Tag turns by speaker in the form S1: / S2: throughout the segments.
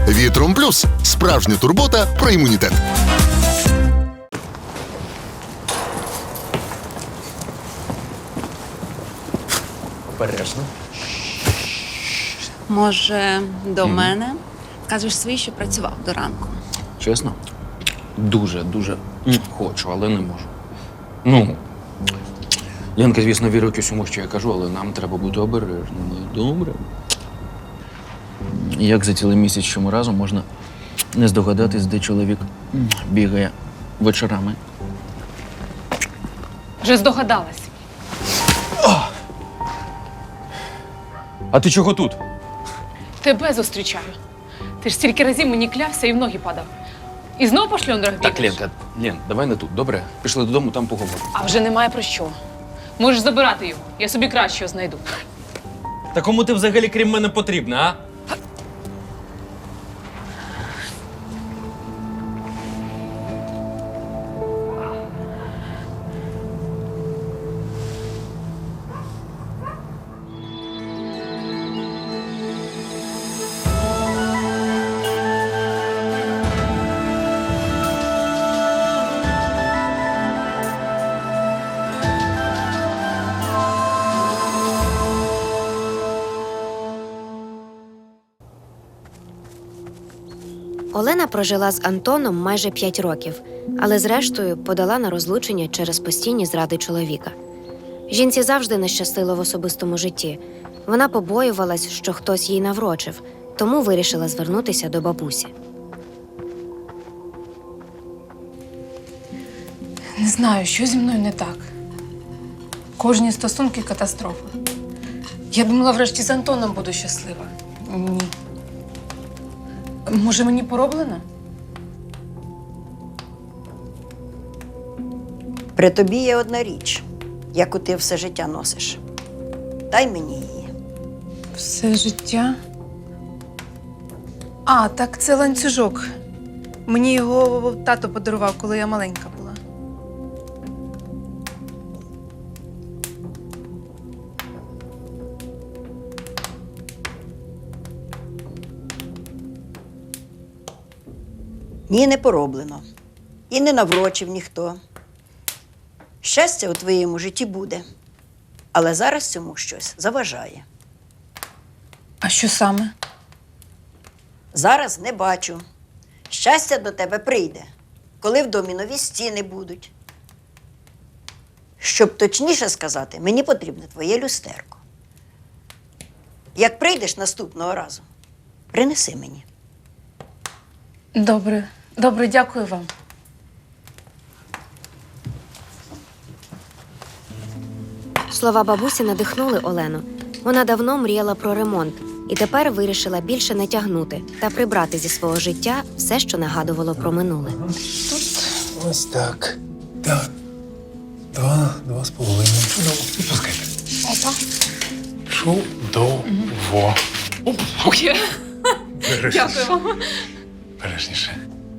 S1: Вітром Плюс – справжня турбота про імунітет.
S2: Обережно.
S3: Може, до мене? Кажеш свій, що працював до ранку.
S2: Чесно? Дуже хочу, але не можу. Ну, Ленка, звісно, вірить усьому, що я кажу, але нам треба бути обережними. Добре. Як за цілий місяць, що ми разом, можна не здогадатись, де чоловік бігає вечорами.
S4: Вже здогадалась.
S2: А ти чого тут?
S4: Тебе зустрічаю. Ти ж стільки разів мені клявся і в ноги падав. І знов по шльондрах бігаєш?
S2: Так, Ленка, давай не тут, добре? Пішли додому, там поговоримо.
S4: А вже немає про що. Можеш забирати його. Я собі кращого знайду.
S5: Та кому ти взагалі крім мене потрібна, а?
S6: Олена прожила з Антоном майже 5 років, але зрештою подала на розлучення через постійні зради чоловіка. Жінці завжди не щастило в особистому житті. Вона побоювалась, що хтось їй наврочив, тому вирішила звернутися до бабусі.
S4: Не знаю, що зі мною не так. Кожні стосунки – катастрофа. Я думала, врешті з Антоном буду щаслива. Ні. Може, мені пороблено?
S7: При тобі є одна річ, яку ти все життя носиш. Дай мені її.
S4: Все життя? А, так це ланцюжок. Мені його тато подарував, коли я маленька була.
S7: Ні, не пороблено. І не наврочив ніхто. Щастя у твоєму житті буде. Але зараз цьому щось заважає.
S4: А що саме?
S7: Зараз не бачу. Щастя до тебе прийде, коли в домі нові стіни будуть. Щоб точніше сказати, мені потрібне твоє люстерко. Як прийдеш наступного разу, принеси мені.
S4: Добре, дякую вам.
S6: Слова бабусі надихнули Олену. Вона давно мріяла про ремонт і тепер вирішила більше не тягнути та прибрати зі свого життя все, що нагадувало про минуле.
S8: Ось так. Так. 2,5. Чудово. Відпускайте.
S4: Опа.
S8: Чудово.
S4: Дякую вам.
S8: Бережніше.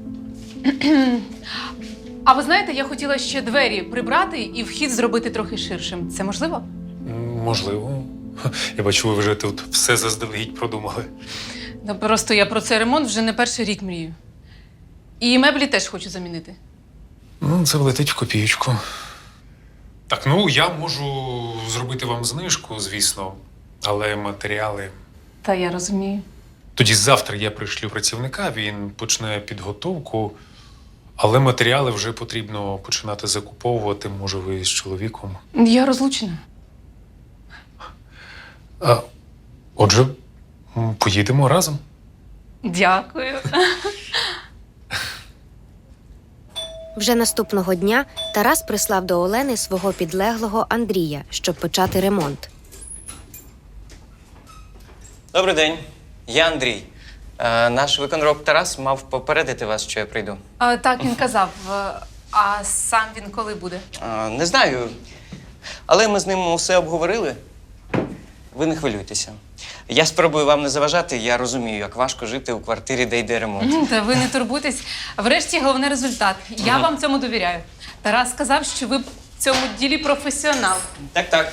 S4: А ви знаєте, я хотіла ще двері прибрати і вхід зробити трохи ширшим. Це можливо?
S8: Можливо. Я бачу, ви вже тут все заздалегідь продумали.
S4: Ну, просто я про цей ремонт вже не перший рік мрію. І меблі теж хочу замінити.
S8: Ну, це влетить в копієчку. Так, я можу зробити вам знижку, звісно, але матеріали...
S4: Та я розумію.
S8: Тоді завтра я пришлю працівника, він почне підготовку, але матеріали вже потрібно починати закуповувати, може, ви з чоловіком.
S4: Я розлучена.
S8: Отже, поїдемо разом.
S4: Дякую.
S6: Вже наступного дня Тарас прислав до Олени свого підлеглого Андрія, щоб почати ремонт.
S9: Добрий день, я Андрій. Наш виконроб Тарас мав попередити вас, що я прийду.
S4: Так, він казав. А сам він коли буде?
S9: Не знаю, але ми з ним усе обговорили. Ви не хвилюйтеся. Я спробую вам не заважати, я розумію, як важко жити у квартирі, де йде ремонт.
S4: Та ви не турбуйтесь. Врешті головний результат. Я вам цьому довіряю. Тарас сказав, що ви в цьому ділі професіонал.
S9: Так.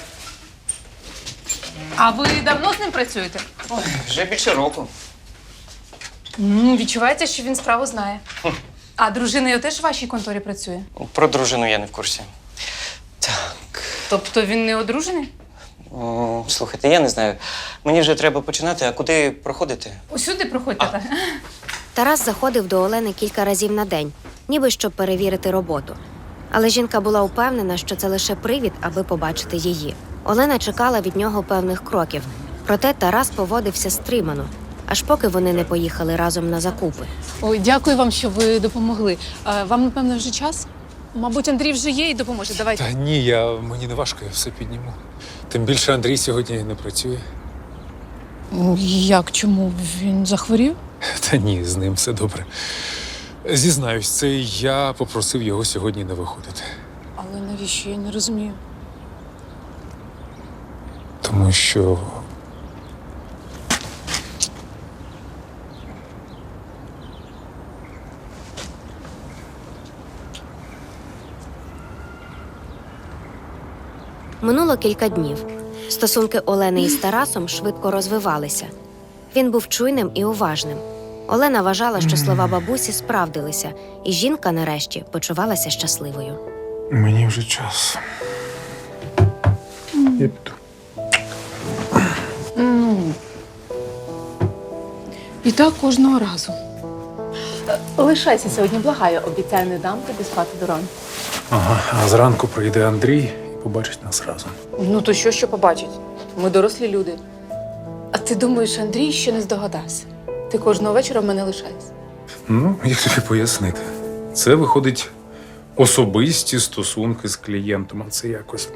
S4: А ви давно з ним працюєте?
S9: Ой, вже більше року.
S4: Відчувається, що він справу знає. А дружина його теж в вашій конторі працює?
S9: Про дружину я не в курсі. Так.
S4: Тобто він не одружений?
S9: Слухайте, я не знаю. Мені вже треба починати, а куди проходити?
S4: Усюди проходьте, так?
S6: Тарас заходив до Олени кілька разів на день, ніби щоб перевірити роботу. Але жінка була впевнена, що це лише привід, аби побачити її. Олена чекала від нього певних кроків, проте Тарас поводився стримано, аж поки вони не поїхали разом на закупи.
S4: Ой, дякую вам, що ви допомогли. Вам, напевно, вже час? Мабуть, Андрій вже є і допоможе. Давайте.
S8: Та ні, мені не важко, я все підніму. Тим більше Андрій сьогодні не працює.
S4: Як? Чому? Він захворів?
S8: Та ні, з ним все добре. Зізнаюсь, це я попросив його сьогодні не виходити.
S4: Але навіщо? Я не розумію.
S8: Тому що
S6: Минуло кілька днів. Стосунки Олени із Тарасом швидко розвивалися. Він був чуйним і уважним. Олена вважала, що слова бабусі справдилися, і жінка нарешті почувалася щасливою.
S8: мені вже час. Я піду.
S4: І так кожного разу. Лишайся сьогодні, благаю. Обіцяю, не дам тобі спати до ранку.
S8: Ага, а зранку прийде Андрій і побачить нас разом.
S4: Ну то що побачить? Ми дорослі люди. А ти думаєш, Андрій ще не здогадався? Ти кожного вечора в мене лишаєшся.
S8: Ну, як тобі пояснити? Це виходить особисті стосунки з клієнтом, а це якось.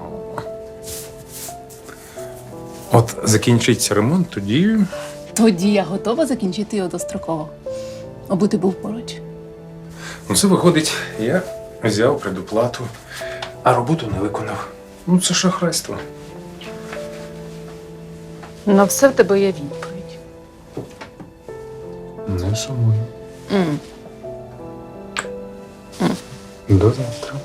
S8: От закінчиться ремонт, тоді.
S4: Тоді я готова закінчити його достроково. Аби ти був поруч.
S8: Ну, це виходить, я взяв предоплату, а роботу не виконав. Ну, це шахрайство.
S4: На все в тебе є відповідь.
S8: Не сумую. До завтра.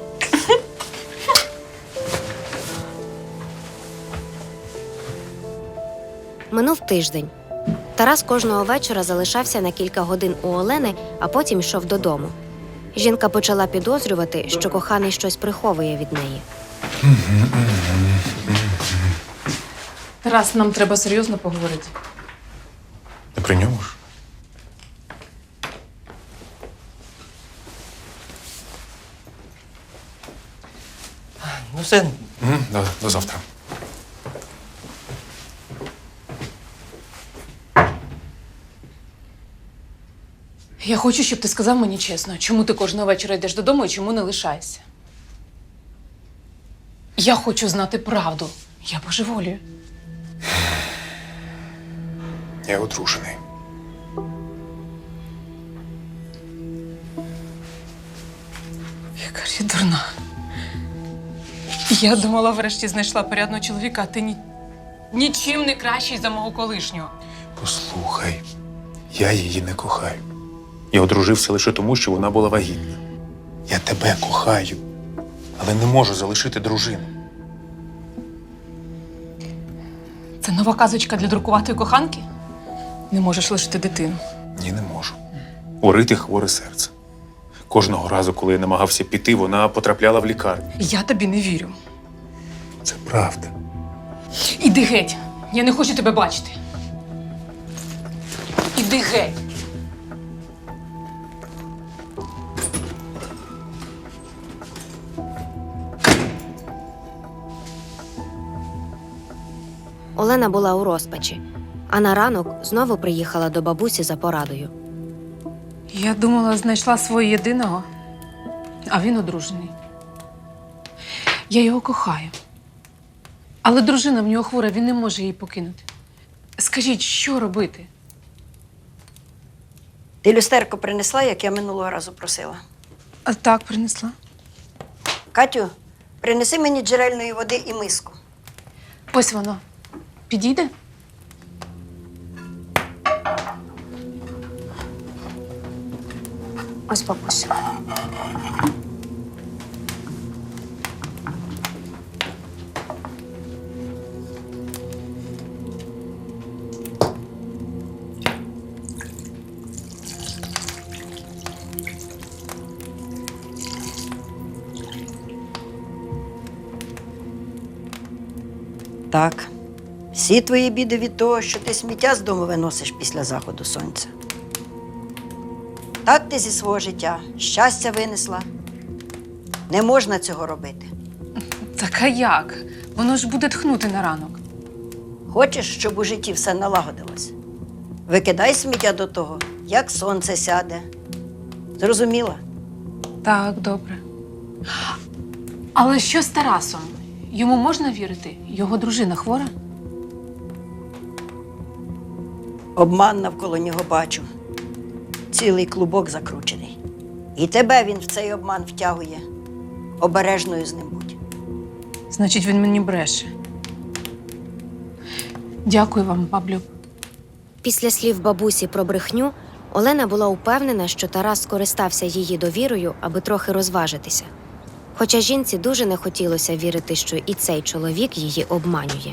S6: Минув тиждень. Тарас кожного вечора залишався на кілька годин у Олени, а потім йшов додому. Жінка почала підозрювати, що коханий щось приховує від неї.
S4: Тарас, нам треба серйозно поговорити.
S8: Не при ньому ж.
S9: Ну все,
S8: До завтра.
S4: Я хочу, щоб ти сказав мені чесно, чому ти кожного вечора йдеш додому і чому не лишаєшся. Я хочу знати правду. Я божеволію.
S8: Я одружений.
S4: Яка ж я дурна. Я думала, врешті знайшла порядного чоловіка, а ти нічим не кращий за мого колишнього.
S8: Послухай, я її не кохаю. Я одружився лише тому, що вона була вагітна. Я тебе кохаю, але не можу залишити дружину.
S4: Це нова казочка для друкуватої коханки? Не можеш лишити дитину.
S8: Ні, не можу. У Рити хворе серце. Кожного разу, коли я намагався піти, вона потрапляла в лікарню.
S4: Я тобі не вірю.
S8: Це правда.
S4: Іди геть. Я не хочу тебе бачити. Іди геть.
S6: Олена була у розпачі, а на ранок знову приїхала до бабусі за порадою.
S4: Я думала, знайшла свого єдиного, а він одружений. Я його кохаю. Але дружина в нього хвора, він не може її покинути. Скажіть, що робити?
S7: Ти люстерко принесла, як я минулого разу просила.
S4: А так принесла.
S7: Катю, принеси мені джерельної води і миску.
S4: Ось воно. Підійде?
S6: Ось бабуся.
S7: Так. Всі твої біди від того, що ти сміття з дому виносиш після заходу сонця. Так ти зі свого життя щастя винесла. Не можна цього робити.
S4: Так а як? Воно ж буде тхнути на ранок.
S7: Хочеш, щоб у житті все налагодилось? Викидай сміття до того, як сонце сяде. Зрозуміла?
S4: Так, добре. Але що з Тарасом? Йому можна вірити? Його дружина хвора?
S7: Обман навколо нього бачу. Цілий клубок закручений. І тебе він в цей обман втягує. Обережною з ним будь.
S4: Значить, він мені бреше. Дякую вам, баблюб.
S6: Після слів бабусі про брехню Олена була упевнена, що Тарас скористався її довірою, аби трохи розважитися. Хоча жінці дуже не хотілося вірити, що і цей чоловік її обманює.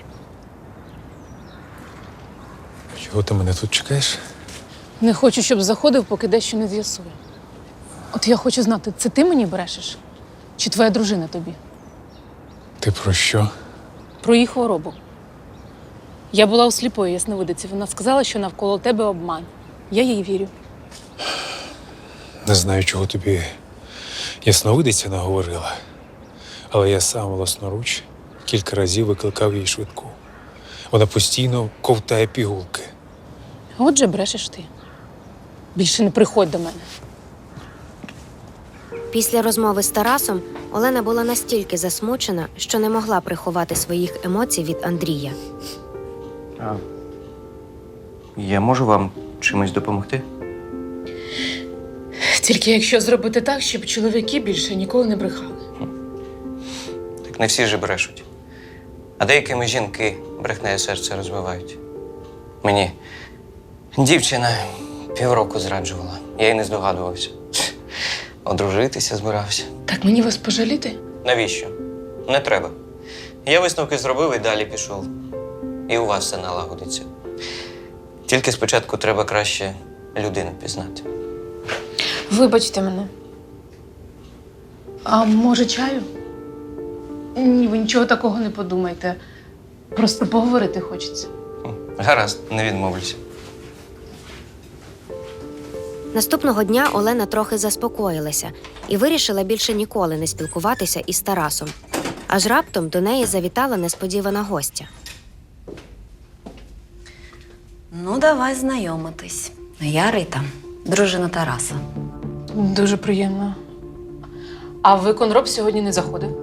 S8: Чого ти мене тут чекаєш?
S4: Не хочу, щоб заходив, поки дещо не з'ясую. От я хочу знати, це ти мені брешеш? Чи твоя дружина тобі?
S8: Ти про що?
S4: Про її хворобу. Я була у сліпої ясновидиці. Вона сказала, що навколо тебе обман. Я їй вірю.
S8: Не знаю, чого тобі ясновидиця наговорила, але я сам власноруч кілька разів викликав їй швидку. Вона постійно ковтає пігулки.
S4: Отже, брешеш ти. Більше не приходь до мене.
S6: Після розмови з Тарасом Олена була настільки засмучена, що не могла приховати своїх емоцій від Андрія.
S9: Я можу вам чимось допомогти?
S4: Тільки якщо зробити так, щоб чоловіки більше ніколи не брехали.
S9: Так не всі ж брешуть. А деякими жінки брехнеє серце розвивають. Мені дівчина півроку зраджувала. Я й не здогадувався. Одружитися збирався.
S4: Так мені вас пожаліти?
S9: Навіщо? Не треба. Я висновки зробив і далі пішов. І у вас все налагодиться. Тільки спочатку треба краще людину пізнати.
S4: Вибачте мене. А може чаю? Ні, ви нічого такого не подумайте. Просто поговорити хочеться.
S9: Гаразд, не відмовлюся.
S6: Наступного дня Олена трохи заспокоїлася і вирішила більше ніколи не спілкуватися із Тарасом. Аж раптом до неї завітала несподівана гостя.
S10: Ну, давай знайомитись. Я Рита, дружина Тараса.
S4: Дуже приємно. А виконроб сьогодні не заходив?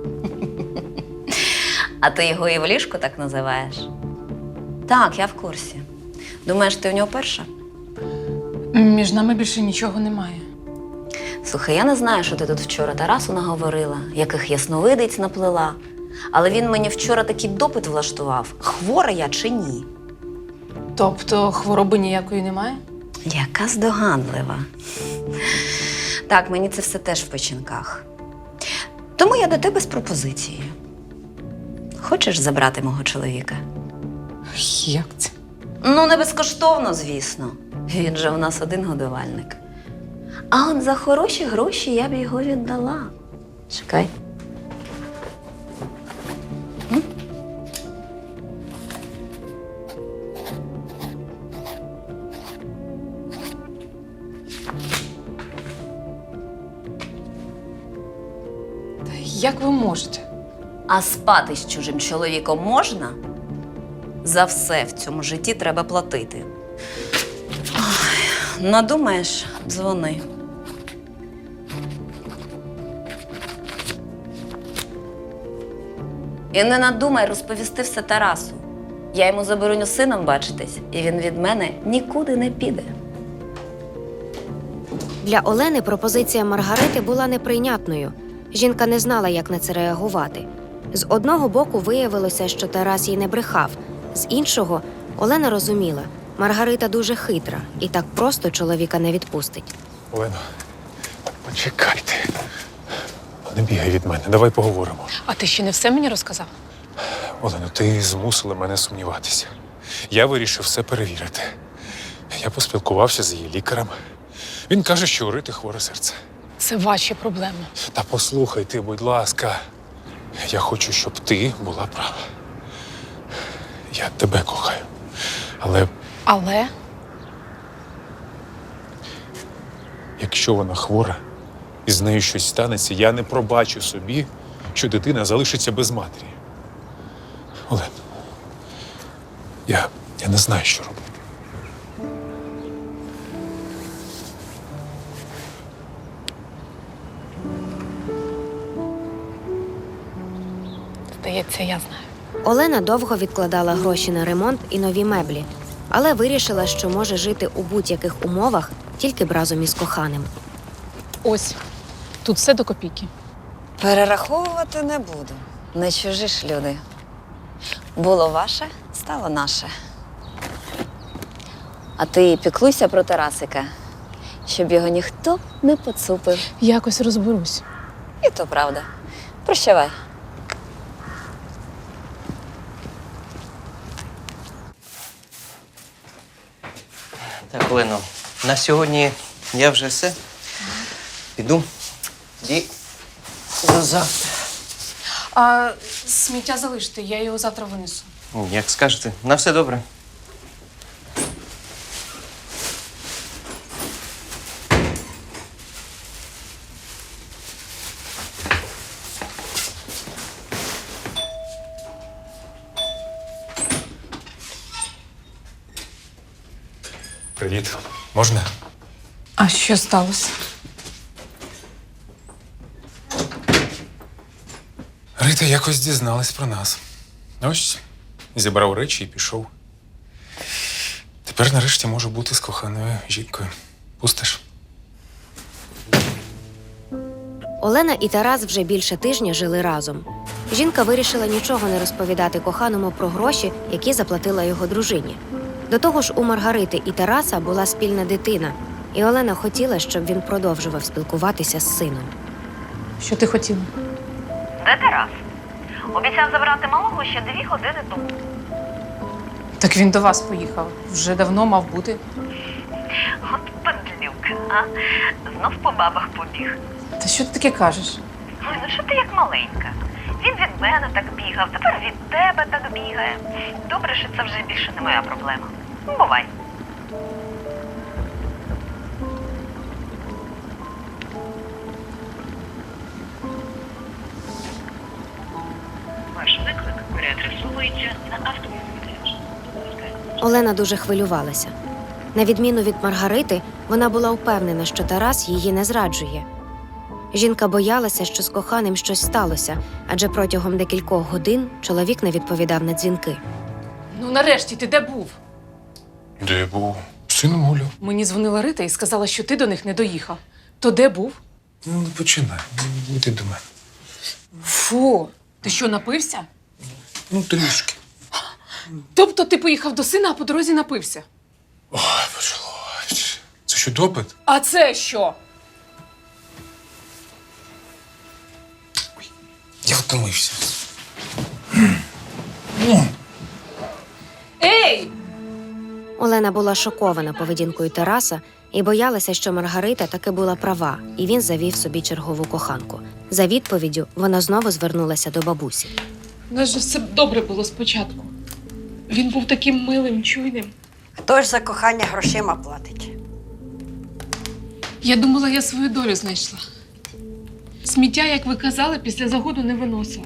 S10: А ти його і в ліжку так називаєш? Так, я в курсі. Думаєш, ти в нього перша?
S4: Між нами більше нічого немає.
S10: Слухай, я не знаю, що ти тут вчора Тарасу наговорила, яких ясновидиць наплела. Але він мені вчора такий допит влаштував, хвора я чи ні.
S4: Тобто хвороби ніякої немає?
S10: Яка здогадлива. Так, мені це все теж в печінках. Тому я до тебе з пропозицією. Хочеш забрати мого чоловіка?
S4: Як це?
S10: Ну, не безкоштовно, звісно. Він же у нас один годувальник. А от за хороші гроші я б його віддала. Чекай.
S4: Як ви можете?
S10: А спати з чужим чоловіком можна? За все в цьому житті треба платити. Ой, надумаєш, дзвони. І не надумай розповісти все Тарасу. Я йому забороню з сином бачитись, і він від мене нікуди не піде.
S6: Для Олени пропозиція Маргарити була неприйнятною. Жінка не знала, як на це реагувати. З одного боку виявилося, що Тарас їй не брехав. З іншого, Олена розуміла, Маргарита дуже хитра і так просто чоловіка не відпустить.
S8: Олено, почекайте. Не бігай від мене, давай поговоримо.
S4: А ти ще не все мені розказав?
S8: Олено, ти змусила мене сумніватися. Я вирішив все перевірити. Я поспілкувався з її лікарем. Він каже, що у Рити хворе серце.
S4: Це ваші проблеми.
S8: Та послухай ти, будь ласка. Я хочу, щоб ти була права. Я тебе кохаю. Але
S4: Але
S8: якщо вона хвора і з нею щось станеться, я не пробачу собі, що дитина залишиться без матері. Олен, я не знаю, що робити.
S4: здається, я знаю.
S6: Олена довго відкладала гроші на ремонт і нові меблі, але вирішила, що може жити у будь-яких умовах тільки б разом із коханим.
S4: Ось, тут все до копійки.
S10: Перераховувати не буду. Не чужі ж люди. Було ваше, стало наше. А ти піклуйся про Тарасика, щоб його ніхто не поцупив.
S4: Якось розберусь.
S10: І то правда. Прощавай.
S9: Так, Олено, на сьогодні я вже все. Піду. І до завтра.
S4: А сміття залиште, я його завтра винесу.
S9: Як скажете, на все добре.
S8: Привіт. Можна?
S4: А що сталося?
S8: Рита якось дізналась про нас. Ось, зібрав речі і пішов. Тепер нарешті можу бути з коханою жінкою. Пустиш?
S6: Олена і Тарас вже більше тижня жили разом. Жінка вирішила нічого не розповідати коханому про гроші, які заплатила його дружині. До того ж, у Маргарити і Тараса була спільна дитина, і Олена хотіла, щоб він продовжував спілкуватися з сином.
S4: Що ти хотіла?
S11: Де Тарас? Обіцяв забрати малого ще 2 години тому.
S4: Так він до вас поїхав. Вже давно мав бути.
S11: От падлюк, а? Знов по бабах побіг.
S4: Та що ти таке кажеш?
S11: Ой, ну що ти як маленька? Він від мене так бігав, тепер від тебе так бігає. Добре, що це вже більше не моя проблема. Бувай. Ваш виклик переадресовується на автовідповідач.
S6: Олена дуже хвилювалася. На відміну від Маргарити, вона була впевнена, що Тарас її не зраджує. Жінка боялася, що з коханим щось сталося, адже протягом декількох годин чоловік не відповідав на дзвінки.
S4: Ну нарешті, ти де був?
S8: Де я був? З сином гуляв.
S4: Мені дзвонила Рита і сказала, що ти до них не доїхав. То де був?
S8: Ну, не починай. Йди до мене.
S4: Фу, ти що, напився?
S8: Ну, трішки.
S4: Тобто ти поїхав до сина, а по дорозі напився?
S8: Ой, почалось. Це що, допит?
S4: А це що?
S8: Я втомився.
S4: Ей!
S6: Олена була шокована поведінкою Тараса і боялася, що Маргарита таки була права, і він завів собі чергову коханку. За відповіддю вона знову звернулася до бабусі.
S4: У нас же все добре було спочатку. Він був таким милим, чуйним.
S7: Хто ж за кохання грошима платить?
S4: Я думала, я свою долю знайшла. Сміття, як ви казали, після загоду не виносила.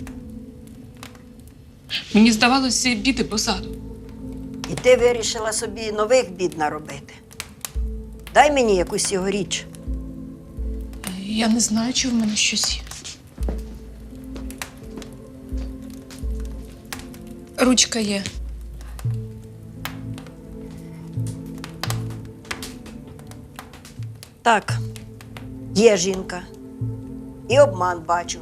S4: Мені здавалося біти позаду.
S7: І ти вирішила собі нових бід наробити. Дай мені якусь його річ.
S4: Я не знаю, чи в мене щось є. Ручка є.
S7: Так, є жінка. І обман бачу.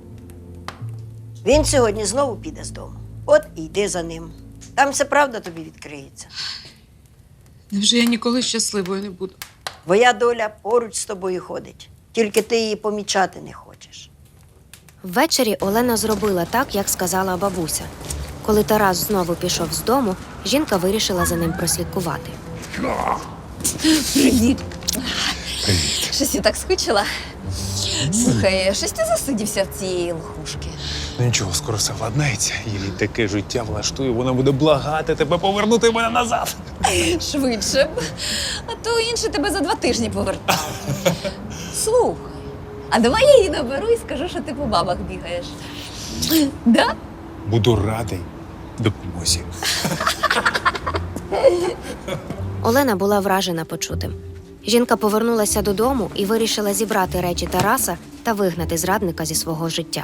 S7: Він сьогодні знову піде з дому. От і йди за ним. Там все правда тобі відкриється.
S4: Невже я ніколи щасливою не буду?
S7: Твоя доля поруч з тобою ходить. Тільки ти її помічати не хочеш.
S6: Ввечері Олена зробила так, як сказала бабуся. Коли Тарас знову пішов з дому, жінка вирішила за ним прослідкувати.
S10: Привіт.
S8: Привіт.
S10: Щось я так скучила. Слухай, щось ти засидівся в цієї лохушки.
S8: Ну нічого, скоро все владнається. Їй таке життя влаштує, вона буде благати тебе повернути мене назад.
S10: Швидше б. А то інший тебе за 2 тижні повертав. Слухай, а давай я її наберу і скажу, що ти по бабах бігаєш. Да?
S8: Буду радий допомозі.
S6: Олена була вражена почутим. Жінка повернулася додому і вирішила зібрати речі Тараса та вигнати зрадника зі свого життя.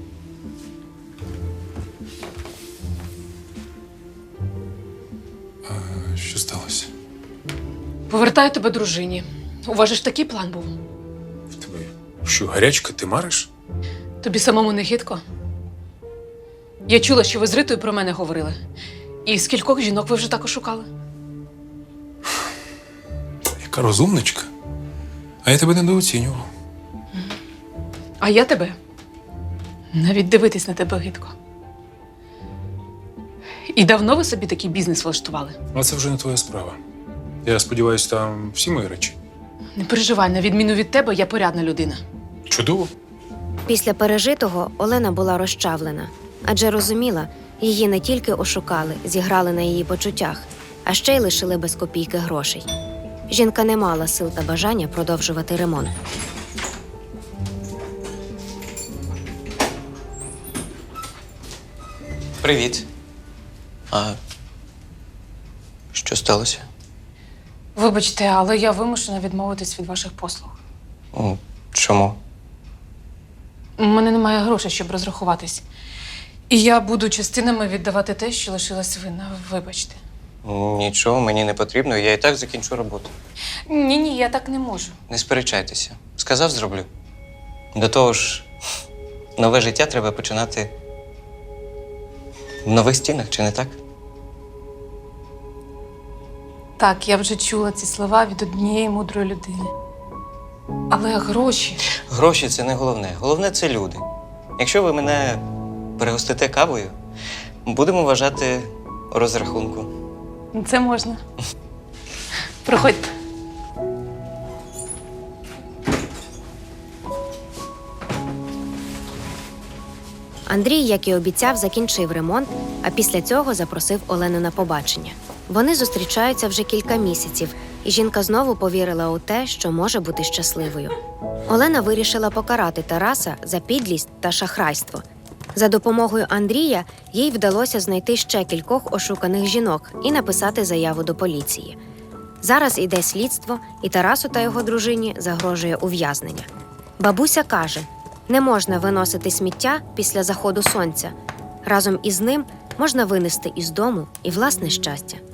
S8: Що сталося?
S4: Повертаю тебе дружині. У вас же ж такий план був.
S8: В тебе що, гарячка, ти мариш?
S4: Тобі самому не гидко? Я чула, що ви з Ритою про мене говорили. І скількох жінок ви вже так ошукали?
S8: Яка розумничка. А я тебе недооцінював.
S4: А я тебе? Навіть дивитись на тебе гидко. І давно ви собі такий бізнес влаштували?
S8: А це вже не твоя справа. Я сподіваюся, там всі мої речі.
S4: Не переживай, на відміну від тебе, я порядна людина.
S8: Чудово.
S6: Після пережитого Олена була розчавлена, адже розуміла, її не тільки ошукали, зіграли на її почуттях, а ще й лишили без копійки грошей. Жінка не мала сил та бажання продовжувати ремонт.
S9: Привіт. А що сталося?
S4: Вибачте, але я вимушена відмовитись від ваших послуг.
S9: Чому?
S4: У мене немає грошей, щоб розрахуватись. І я буду частинами віддавати те, що лишилась винна. Вибачте.
S9: Нічого, мені не потрібно, я і так закінчу роботу.
S4: Ні, я так не можу.
S9: Не сперечайтеся. Сказав, зроблю. До того ж, нове життя треба починати в нових стінах, чи не так?
S4: Так, я вже чула ці слова від однієї мудрої людини. Але гроші.
S9: Гроші – це не головне. Головне – це люди. Якщо ви мене перегостите кавою, будемо вважати розрахунку.
S4: Це можна. Проходьте.
S6: Андрій, як і обіцяв, закінчив ремонт, а після цього запросив Олену на побачення. Вони зустрічаються вже кілька місяців, і жінка знову повірила у те, що може бути щасливою. Олена вирішила покарати Тараса за підлість та шахрайство. За допомогою Андрія їй вдалося знайти ще кількох ошуканих жінок і написати заяву до поліції. Зараз іде слідство, і Тарасу та його дружині загрожує ув'язнення. Бабуся каже, не можна виносити сміття після заходу сонця. Разом із ним можна винести із дому і власне щастя.